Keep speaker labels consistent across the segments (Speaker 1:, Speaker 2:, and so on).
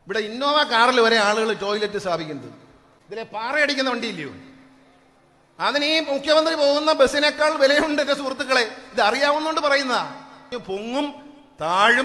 Speaker 1: ഇവിടെ ഇന്നോവ കാറിൽ വരെ ആളുകൾ ടോയ്ലറ്റ് സ്ഥാപിക്കുന്നത്. ഇതിലെ പാറയടിക്കുന്ന വണ്ടിയില്ലയോ? അതിന് ഈ മുഖ്യമന്ത്രി പോകുന്ന ബസ്സിനേക്കാൾ വിലയുണ്ട് എന്റെ സുഹൃത്തുക്കളെ. ഇത് അറിയാവുന്നോണ്ട് പറയുന്നതാ. പൊങ്ങും താഴും.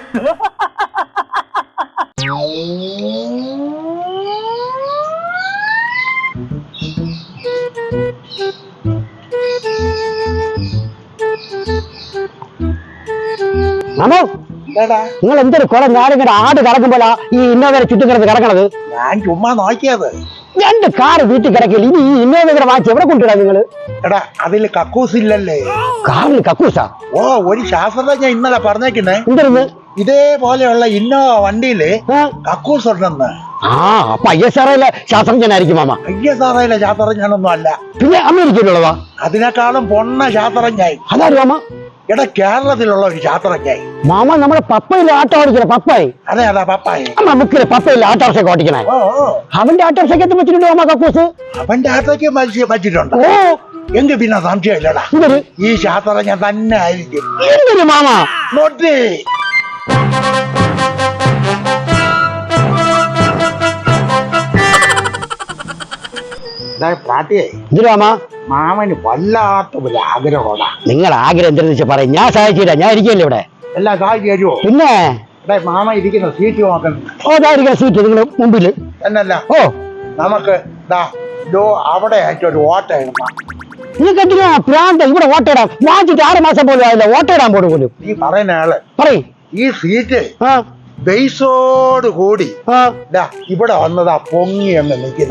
Speaker 2: നിങ്ങൾ എന്തൊരു കുളം ഞാനിങ്ങനെ ആട് കറക്കുമ്പോഴാ ഈ ഇന്നോവരെ ചുറ്റും കിടന്ന് കിടക്കണത്?
Speaker 3: ഞാൻ ചുമ്മാ നോക്കിയത്.
Speaker 2: 2 കാറ് വീട്ടിൽ കിടക്കില്ല. ഇനി ഈ ഇന്നോവ വാങ്ങിച്ച് എവിടെ കൊണ്ടിടാ നിങ്ങള്?
Speaker 3: എടാ അതില് കക്കൂസ് ഇല്ലല്ലേ?
Speaker 2: കാറിൽ കക്കൂസാ?
Speaker 3: ഓ, ഒരു ശാസ്ത്രജ്ഞ ഇന്നലെ പറഞ്ഞേക്കുന്നേ
Speaker 2: എന്തിരുന്ന്
Speaker 3: ഇതേപോലെയുള്ള ഇന്നോവ വണ്ടിയില് കക്കൂസ് ഉണ്ടെന്ന്.
Speaker 2: അപ്പൊ ISRO ശാസ്ത്രജ്ഞനായിരിക്കും മാമ.
Speaker 3: ISRO ശാസ്ത്രജ്ഞനൊന്നും അല്ല,
Speaker 2: പിന്നെ അമേരിക്കയിലുള്ളതാ.
Speaker 3: അതിനേക്കാളും പൊണ്ണ ശാസ്ത്രജ്ഞായി.
Speaker 2: അതാരും മാമ?
Speaker 3: എടാ കേരളത്തിലുള്ള ഒരു ശാസ്ത്രജ്ഞായി.
Speaker 2: മാമ നമ്മുടെ പപ്പയിലെ ആട്ടോ ഓടിക്കണ പപ്പായി.
Speaker 3: അതെ അതാ പപ്പായി.
Speaker 2: നമുക്കിലെ പപ്പയിലെ ആട്ടോറിക്ഷ ഓടിക്കണേ. അവന്റെ ആട്ടോറിക്ഷയ്ക്ക് പറ്റിട്ടുണ്ട് മാമ കക്കൂസ്. അവന്റെ
Speaker 3: ആട്ടോയ്ക്ക് പറ്റിട്ടുണ്ട്. എങ്കിൽ പിന്നെ സംശയമില്ലടാ, ഈ ശാസ്ത്രജ്ഞൻ തന്നെ ആയിരിക്കും.
Speaker 2: എന്തൊരു മാമ
Speaker 3: നോട്ടി.
Speaker 2: മാമന്
Speaker 3: വല്ലാത്ത ഒരു ആഗ്രഹമാണ്.
Speaker 2: നിങ്ങൾ ആഗ്രഹം എന്തെന്ന് വെച്ചാൽ പറയും, ഞാൻ സഹായിച്ചില്ല. ഞാൻ ഇരിക്കല്ലേ ഇവിടെ.
Speaker 3: എല്ലാം സഹായിച്ചു തരുമോ?
Speaker 2: പിന്നെ
Speaker 3: മാമ ഇരിക്കുന്ന സീറ്റ് നോക്കണം.
Speaker 2: ഇരിക്കുന്ന സീറ്റ് നിങ്ങൾ മുമ്പില്
Speaker 3: എന്നല്ല. നമുക്ക് അവിടെ ആയിട്ടൊരു ഓട്ട ഇടണം.
Speaker 2: നിങ്ങൾക്ക് എന്തിനാ പ്രാന്ത ഇവിടെ ഓട്ടയിടാം? വാങ്ങിച്ചിട്ട് 6 മാസം പോലും ആയില്ല, ഓട്ടയിടാൻ പോലും.
Speaker 3: ഈ പറയുന്ന ആള്
Speaker 2: പറയും
Speaker 3: ഈ സീറ്റ് ബേസോട് കൂടി ഇവിടെ വന്നതാ പൊങ്ങി എന്ന് നിൽക്കുന്ന.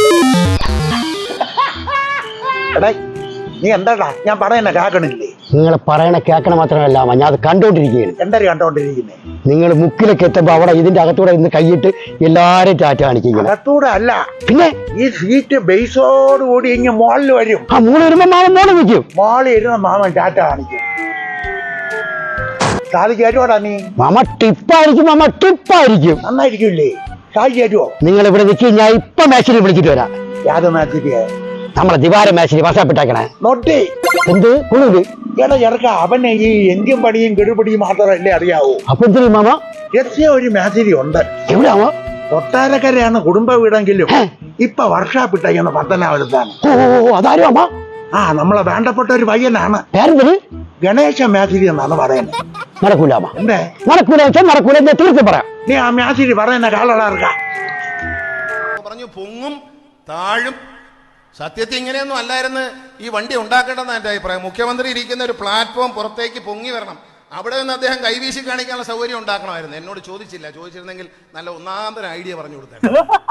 Speaker 3: എടാ നീ എന്താടാ ഞാൻ പറയണ കേക്കണില്ലേ?
Speaker 2: നിങ്ങൾ പറയണ കേൾക്കണ മാത്രമല്ല, ഞാൻ അത് കണ്ടോണ്ടിരിക്കുകയാണ്.
Speaker 3: എന്താ കണ്ടോണ്ടിരിക്കുന്നേ?
Speaker 2: നിങ്ങൾ മുക്കിലേക്ക് എത്തുമ്പോ അവിടെ ഇതിന്റെ അകത്തൂടെ ഇന്ന് കൈയിട്ട് എല്ലാരും ടാറ്റ കാണിക്കുക.
Speaker 3: അകത്തൂടെ അല്ല,
Speaker 2: പിന്നെ
Speaker 3: ഈ സീറ്റ് ബേസോട് കൂടി ഇങ്ങനെ മോളിൽ വരും.
Speaker 2: മോള് വരുമ്പോ മാമൻ മോള് നിൽക്കും.
Speaker 3: മോളിൽ ഇരുന്ന മാമൻ ടാറ്റ കാണിക്കും. സാധിക്കാറ്റോടാ നീ?
Speaker 2: മാമ ടിപ്പായിരിക്കും. മാമ ടിപ്പായിരിക്കും.
Speaker 3: നന്നായിരിക്കില്ലേ? സാധിക്കാറ്റോ?
Speaker 2: നിങ്ങൾ ഇവിടെ നിൽക്കും, ഞാൻ ഇപ്പൊ മാച്ചിന് വിളിച്ചിട്ട് വരാം.
Speaker 3: യാതൊരു മാച്ചിക്ക്?
Speaker 2: നമ്മളെ ദിവാര മാച്ചിന് വർഷാപ്പിട്ടാക്കണേ.
Speaker 3: നോട്ടി
Speaker 2: എന്ത് കുളിര്?
Speaker 3: എടാ ഇറക്ക, അവനെ ഈ എഞ്ചിൻ പണിയും കെടുപടിയും മാത്രമല്ലേ അറിയാവൂ.
Speaker 2: അപ്പൊ എന്തിനും മാമ
Speaker 3: ഒരു മാച്ചിരി ഉണ്ട്.
Speaker 2: എവിടെയാമോ?
Speaker 3: കൊട്ടാരക്കരയാണ് കുടുംബ വീടെങ്കിലും ഇപ്പൊ വർഷാപ്പിട്ടേക്കുന്ന പത്തനാപുരത്താണ്.
Speaker 2: അതാരും അമ്മ?
Speaker 3: നമ്മളെ വേണ്ടപ്പെട്ട ഒരു പയ്യനാണ്. ഗണേശ മാച്ചിരി എന്നാണ് പറയുന്നത്.
Speaker 2: നടക്കൂല
Speaker 3: എന്തേ?
Speaker 2: നടക്കൂല നടക്കൂല. തീർച്ചയായും പറയാം.
Speaker 3: നീ ആ മാച്ചിരി പറയുന്ന കാളടാർക്ക
Speaker 1: പറഞ്ഞു പൊങ്ങും താഴും. സത്യത്തിൽ ഇങ്ങനെയൊന്നും അല്ലായിരുന്നു ഈ വണ്ടി ഉണ്ടാക്കേണ്ടതെന്ന് എൻ്റെ അഭിപ്രായം. മുഖ്യമന്ത്രി ഇരിക്കുന്ന ഒരു പ്ലാറ്റ്ഫോം പുറത്തേക്ക് പൊങ്ങി വരണം. അവിടെ നിന്ന് അദ്ദേഹം കൈവീശി കാണിക്കാനുള്ള സൗകര്യം ഉണ്ടാക്കണമായിരുന്നു. എന്നോട് ചോദിച്ചില്ല. ചോദിച്ചിരുന്നെങ്കിൽ നല്ല ഒന്നാമതൊരു ഐഡിയ പറഞ്ഞു കൊടുത്തേ.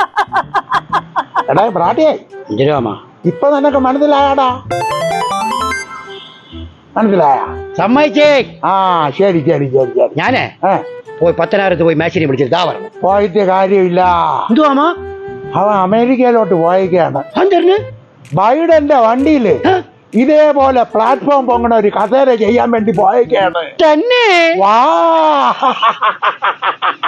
Speaker 3: ഇപ്പൊ നിനക്ക് മനസ്സിലായാടാ? മനസ്സിലായ?
Speaker 2: സമ്മതിച്ചേ.
Speaker 3: ശരി ശരി ശരി ശരി.
Speaker 2: ഞാനേ പോയി പത്തനാപുരത്ത് പോയി മാച്ചിനെ വിളിച്ചിട്ട് പറഞ്ഞു.
Speaker 3: പോയിട്ട് കാര്യമില്ല.
Speaker 2: എന്തുവാ?
Speaker 3: അവൻ അമേരിക്കയിലോട്ട് പോയേക്കാണ്. ബൈഡന്റെ വണ്ടിയില് ഇതേപോലെ പ്ലാറ്റ്ഫോം പൊങ്ങണ ഒരു കസേര ചെയ്യാൻ വേണ്ടി പോയേക്കാണ്.
Speaker 2: തന്നെ?
Speaker 3: വാ